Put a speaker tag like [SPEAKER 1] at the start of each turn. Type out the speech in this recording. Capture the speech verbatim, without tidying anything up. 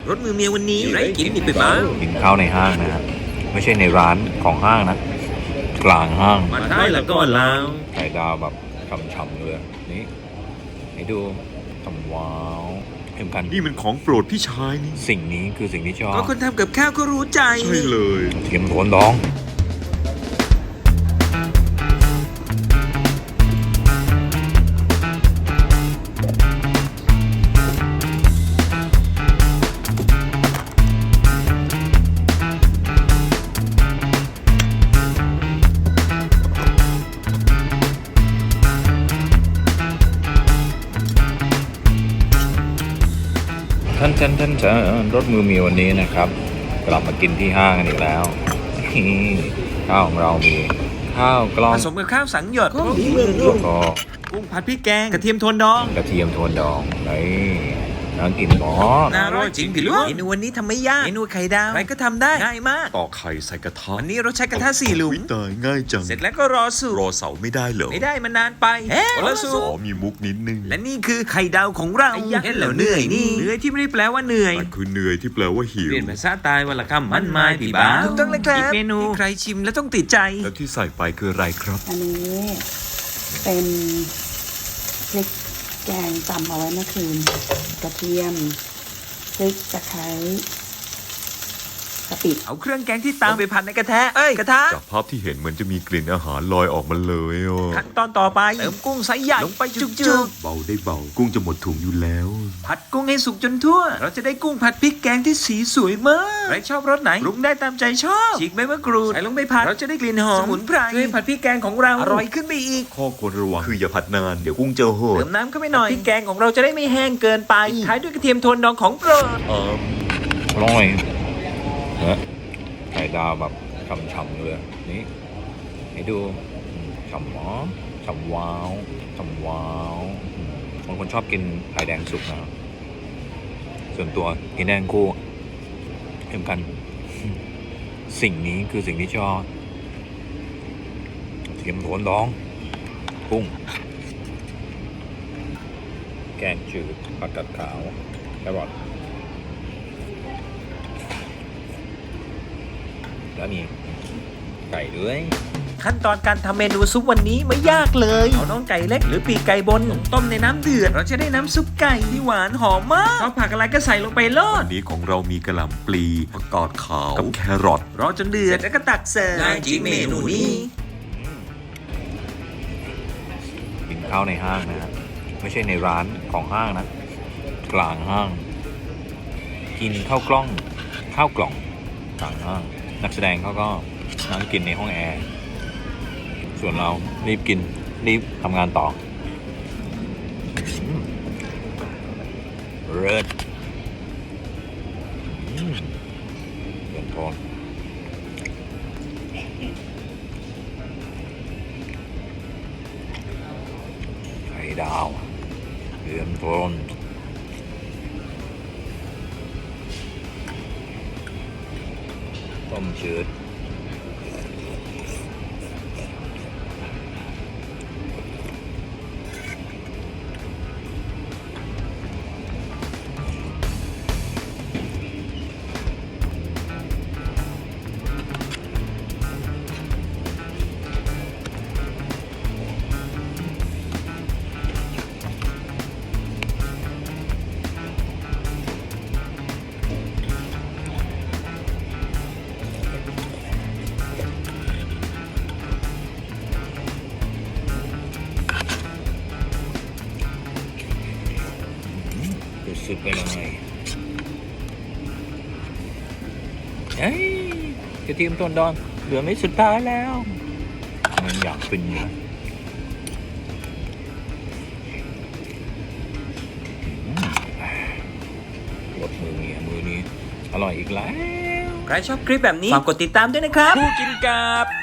[SPEAKER 1] รถมือเมียวันนี้ไรกินนี่ไปบ้าง
[SPEAKER 2] กินข้าวในห้างนะครับไม่ใช่ในร้านของห้างนะกลางห้าง
[SPEAKER 1] มาได้แล้วก็ลาว
[SPEAKER 2] ไข่ดาวแบบฉ่ำๆเลยนี่ให้ดูฉ่ำว้าวเอ็มกัน
[SPEAKER 3] นี่มันของโปรดพี่ชายนี่
[SPEAKER 2] สิ่งนี้คือสิ่งที่ชอบ
[SPEAKER 1] ก็คนทำกับข้าวก็รู้ใจ
[SPEAKER 3] ใช่เลย
[SPEAKER 2] เทียมโทนดองท่านท่านท่านท่านรถมือมีวันนี้นะครับกลับมากินที่ห้างกันอีกแล้วข้าวของเรามีข้าวกล้อง
[SPEAKER 1] ผสมกับข้าวสังหยดกุ้งดีเมืองรุ่งกุ้งผัดพริกแกงกระเทียมโทนดอง
[SPEAKER 2] กระเทียมโทนดองไอ้น่ากินหมอ
[SPEAKER 1] น่าอร่อยจริงพี่ลูกเมนูวันนี้ทำไม่ยากเมนูไข่ดาวใครก็ทำได้ง่ายมาก
[SPEAKER 3] ต่อไข่ใส่กระทะ
[SPEAKER 1] วันนี้เราใช้กระทะสี่หลุม
[SPEAKER 3] ตายง่ายจัง
[SPEAKER 1] เสร็จแล้วก็รอสุก
[SPEAKER 3] รอเสาไม่ได้เหรอ
[SPEAKER 1] ไม่ได้มันนานไปเฮ้รอสุก
[SPEAKER 3] อ๋อมีมุกนิดนึง
[SPEAKER 1] และนี่คือไข่ดาวของเราเห็นแล้วเหนื่อยนี่เหนื่อยที่ไม่ได้แปลว่าเหนื่อย
[SPEAKER 3] มันคือเหนื่อยที่แปลว่าหิว
[SPEAKER 1] เปลี่ยนภาษาตายวันละคำมันไม้ปีบ้าถูกต้องเลยครับอีกเมนูใครชิมแล้วต้องติดใจ
[SPEAKER 3] แล้วที่ใส่ไปคืออะไรครับ
[SPEAKER 4] อันนี้เป็นพริกแกงตำเอาไว้เมื่อคืนกระเทียมพริกตะไคร้กะปิ
[SPEAKER 1] เอาเครื่องแกงที่ตามไปผัดในกระทะเอ้ยกระทะ
[SPEAKER 3] จากภาพที่เห็นเหมือนจะมีกลิ่นอาหารลอยออกมาเลยอ่ะ
[SPEAKER 1] ขั้นตอนต่อไปเติมกุ้งไซส์ใหญ่ลงไปจุก
[SPEAKER 3] ๆเบาได้เบากุ้งจะหมดถุงอยู่แล้ว
[SPEAKER 1] ผัดกุ้งให้สุกจนทั่วเราจะได้กุ้งผัดพริกแกงที่สีสวยมากใครชอบรสไหนปรุงได้ตามใจชอบฉีกใบมะกรูดใส่ลงไปผัดเราจะได้กลิ่นหอมสมุนไพรช่วยผัดพริกแกงของเราอร่อยขึ้นไปอีก
[SPEAKER 3] ข้อควรระวังคืออย่าผัดนานเดี๋ยวกุ้งจะโหด
[SPEAKER 1] เติมน้ำเข้าไปหน่อยพริกแกงของเราจะได้ไม่แห้งเกินไปท้ายด้วยกระเทียมโทนดองของโปรด
[SPEAKER 2] อร่อยนะไข่ดาวแบบฉ่ำๆเลยนี่ให้ดูฉ่ำหมอฉ่ำว้าวฉ่ำว้าวบางคนชอบกินไข่แดงสุกนะส่วนตัวกินแดงคู่เอ็มกันสิ่งนี้คือสิ่งที่ชอบเทียมโทนดองกุ้งแกงจืดผักกาดขาวแครอทแล้วมีไก่ด้วย
[SPEAKER 1] ขั้นตอนการทำเมนูซุปวันนี้ไม่ยากเลยเอาน้องไก่เล็กหรือปีกไก่บนต้มในน้ำเดือดเราจะได้น้ำซุปไก่ที่หวานหอมมากชอบผักอะไรก็ใส่ลงไปโลด
[SPEAKER 3] วันนี้ของเรามีกระหล่ำปลีผักกาดขาวกับแครอท
[SPEAKER 1] รอจนเดือดแล้วก็ตักเสิร์ฟได้จริงเมนูนี้
[SPEAKER 2] กินข้าวในห้างนะไม่ใช่ในร้านของห้างนะกลางห้างกินข้าวกล้องข้าวกล่องกลางห้างนักแสดงเขาก็นั่งกินในห้องแอร์ส่วนเรารีบกินรีบทำงานต่อเลิศเดือนทนไข่ดาวเดือนทนต้มจืดสุดไปเลยเฮ้ยกระเทียมต้นดอนเหลือไม่สุดท้ายแล้วมันอยากฟินอยู่รสมือนี้มือนี้อร่อยอีกแล้ว
[SPEAKER 1] ใครชอบคลิปแบบนี้ฝากกดติดตามด้วยนะครับผู้กินกับ